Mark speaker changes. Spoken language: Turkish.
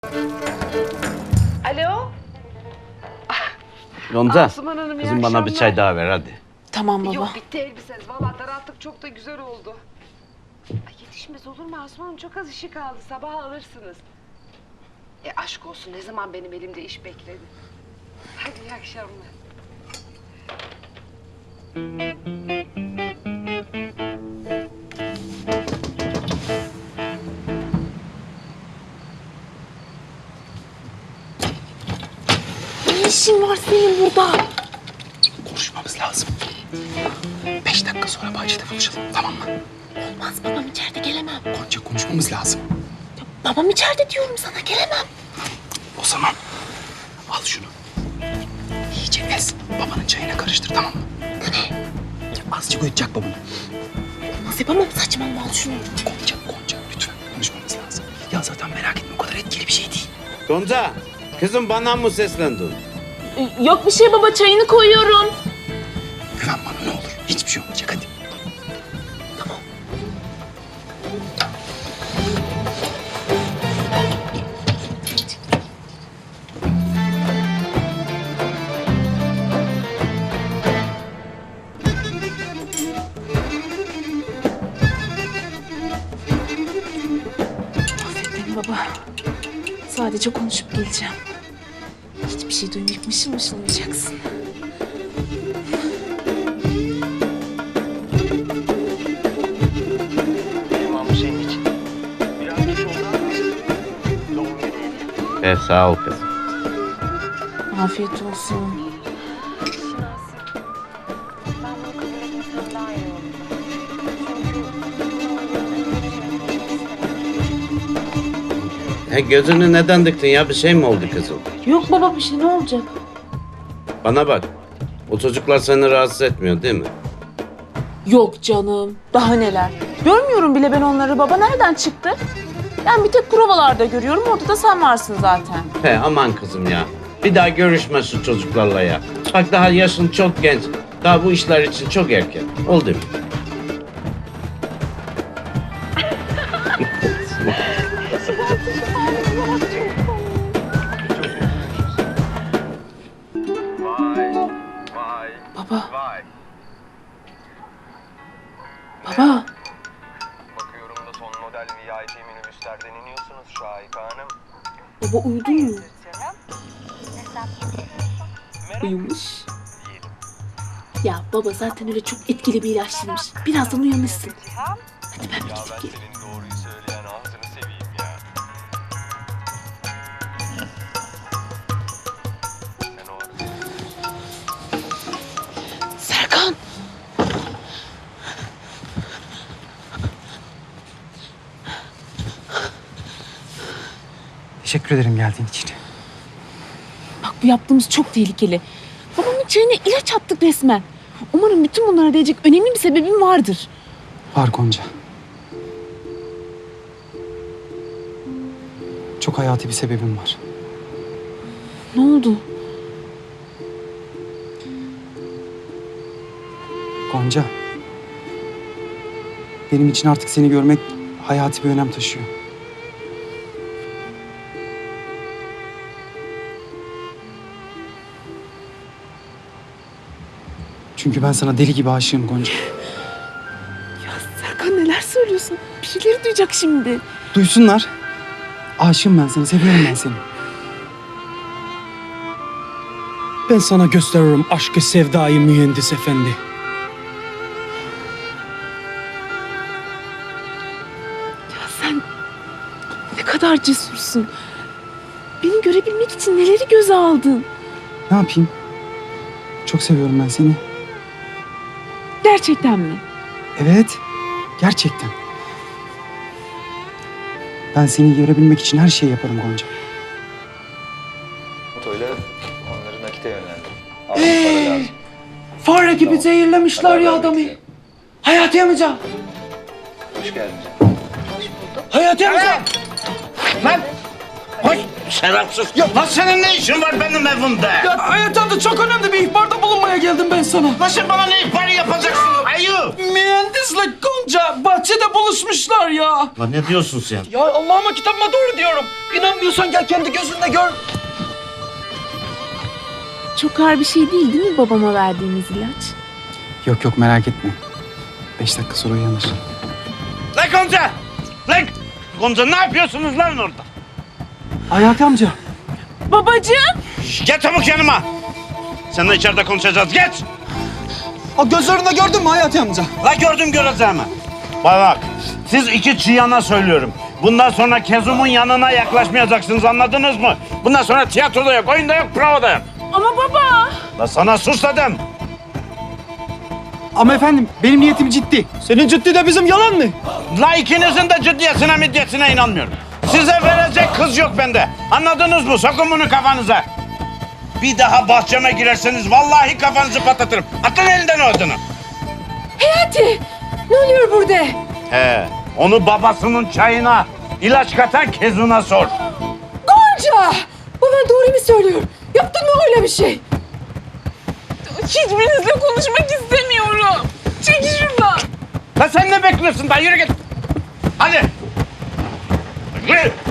Speaker 1: Alo?
Speaker 2: Gonca,
Speaker 1: Asuman Hanım, iyi
Speaker 2: kızım bana bir
Speaker 1: akşamlar.
Speaker 2: çay daha ver hadi.
Speaker 3: Tamam baba.
Speaker 1: Yok bitti elbiseniz. Vallahi daralttık, çok da güzel oldu. Ay, yetişmez olur mu Asuman Hanım? Çok az işi kaldı. Sabah alırsınız. Aşk olsun, ne zaman benim elimde iş bekledi. Hadi iyi akşamlar.
Speaker 3: Ne işin var senin burada?
Speaker 4: Konuşmamız lazım. 5 dakika sonra bahçede buluşalım, tamam mı?
Speaker 3: Olmaz, babam içeride, gelemem.
Speaker 4: Gonca, konuşmamız lazım.
Speaker 3: Ya, babam içeride diyorum sana, gelemem.
Speaker 4: O zaman al şunu. İyice ez. Babanın çayına karıştır, tamam mı?
Speaker 3: Bu ne?
Speaker 4: Azıcık uyutacak babanı.
Speaker 3: Olmaz, yapamam, saçmalama, al şunu.
Speaker 4: Gonca lütfen konuşmamız lazım. Ya zaten merak etme, o kadar etkili bir şey değil.
Speaker 2: Gonca, kızım bana mı seslendin?
Speaker 3: Yok bir şey baba, çayını koyuyorum.
Speaker 4: Güven bana ne olur. Hiçbir şey olmayacak, hadi.
Speaker 3: Tamam. Affet beni baba. Sadece konuşup geleceğim. Hiçbir şey duymayıp mışıl mışıl uyuyacaksın.
Speaker 5: Bu senin için. Biraz geç oldu ama doğum günü.
Speaker 2: Sağ ol kızım.
Speaker 3: Afiyet olsun.
Speaker 1: Ben bunu kabul etmesem daha iyi olur.
Speaker 2: Gözünü neden diktin ya? Bir şey mi oldu kızım?
Speaker 3: Yok baba, bir şey, ne olacak?
Speaker 2: Bana bak. O çocuklar seni rahatsız etmiyor değil mi?
Speaker 3: Yok canım. Daha neler. Görmüyorum bile ben onları baba. Nereden çıktı? Ben bir tek provalarda görüyorum. Orada da sen varsın zaten.
Speaker 2: Aman kızım ya. Bir daha görüşme şu çocuklarla ya. Bak daha yaşın çok genç. Daha bu işler için çok erken. Oldu mu?
Speaker 5: Vay.
Speaker 3: Baba.
Speaker 5: Vay.
Speaker 3: Baba.
Speaker 5: Bakıyorum da son model VIP minibüslerden iniyorsunuz Şahika Hanım.
Speaker 3: Baba uyudu mu? Uyumuş. Ya baba zaten öyle çok etkili bir ilaçlıymış. Birazdan uyanırsın. Hadi ben bir
Speaker 5: Ya
Speaker 3: gidip
Speaker 5: ben
Speaker 3: geleyim.
Speaker 5: senin doğruyu söyleyen ağzını seveyim ya. Sen o
Speaker 3: Serkan.
Speaker 4: Teşekkür ederim geldiğin için.
Speaker 3: Bak bu yaptığımız çok tehlikeli. Babamın çayına ilaç attık resmen. Umarım bütün bunlara değecek önemli bir sebebim vardır.
Speaker 4: Var Gonca. Çok hayati bir sebebim var.
Speaker 3: Ne oldu?
Speaker 4: Gonca. Benim için artık seni görmek hayati bir önem taşıyor. Çünkü ben sana deli gibi aşığım Gonca.
Speaker 3: Ya Serkan neler söylüyorsun? Birileri duyacak şimdi.
Speaker 4: Duysunlar. Aşığım ben sana, seviyorum ben seni.
Speaker 6: Ben sana gösteririm aşkı sevdayı mühendis efendi.
Speaker 3: Ya sen ne kadar cesursun. Beni görebilmek için neleri göze aldın.
Speaker 4: Ne yapayım? Çok seviyorum ben seni.
Speaker 3: Gerçekten mi?
Speaker 4: Evet, gerçekten. Ben seni görebilmek için her şeyi yaparım Gonca.
Speaker 7: Otoyla onları nakite yönlendim. Abi para lazım.
Speaker 6: Fare gibi zehirlemişler ya adamı. Hayati amca.
Speaker 7: Hoş geldin canım.
Speaker 6: Hayati amca.
Speaker 2: Lan! Hoş! Şerefsiz! Ya lan senin ne işin var benim evimde?
Speaker 6: Ya Hayati amca çok önemli bir ihbarda bulunmaya geldim ben sana.
Speaker 2: Nasıl bana ne ihbarı yapacaksın? Ayı!
Speaker 6: Mühendisle amca bahçede buluşmuşlar ya.
Speaker 2: Lan ne diyorsun sen?
Speaker 6: Ya Allah'ıma kitabıma doğru diyorum. İnanmıyorsan gel kendi gözünle gör.
Speaker 3: Çok ağır bir şey değil mi babama verdiğimiz ilaç?
Speaker 4: Yok yok merak etme. 5 dakika sonra uyanır.
Speaker 2: Lan Gonca! Lan! Gonca ne yapıyorsunuz lan orada?
Speaker 6: Hayati amca.
Speaker 3: Babacığım!
Speaker 2: Gel çabuk yanıma. Seninle içeride konuşacağız. Geç!
Speaker 6: O gözlerinde gördün mü Hayati amca?
Speaker 2: La gördüm göreceğimi. Bak, siz iki çıyana söylüyorum. Bundan sonra Kezum'un yanına yaklaşmayacaksınız, anladınız mı? Bundan sonra tiyatroda yok, oyunda yok, provada yok.
Speaker 3: Ama baba!
Speaker 2: La sana sus dedim.
Speaker 4: Ama efendim benim niyetim ciddi.
Speaker 6: Senin ciddi de bizim yalan mı?
Speaker 2: La ikinizin de ciddiyetine middiyetine inanmıyorum. Size verecek kız yok bende. Anladınız mı? Sokun bunu kafanıza. Bir daha bahçeme girerseniz vallahi kafanızı patlatırım. Atın elinden o adını.
Speaker 3: Hayati! Ne oluyor burada?
Speaker 2: He, onu babasının çayına, ilaç katan Kezun'a sor.
Speaker 3: Gonca! Baban doğru mu söylüyor? Yaptın mı öyle bir şey? Hiçbirinizle konuşmak istemiyorum. Çekil şuradan.
Speaker 2: La sen ne bekliyorsun da yürü git. Hadi. Yürü.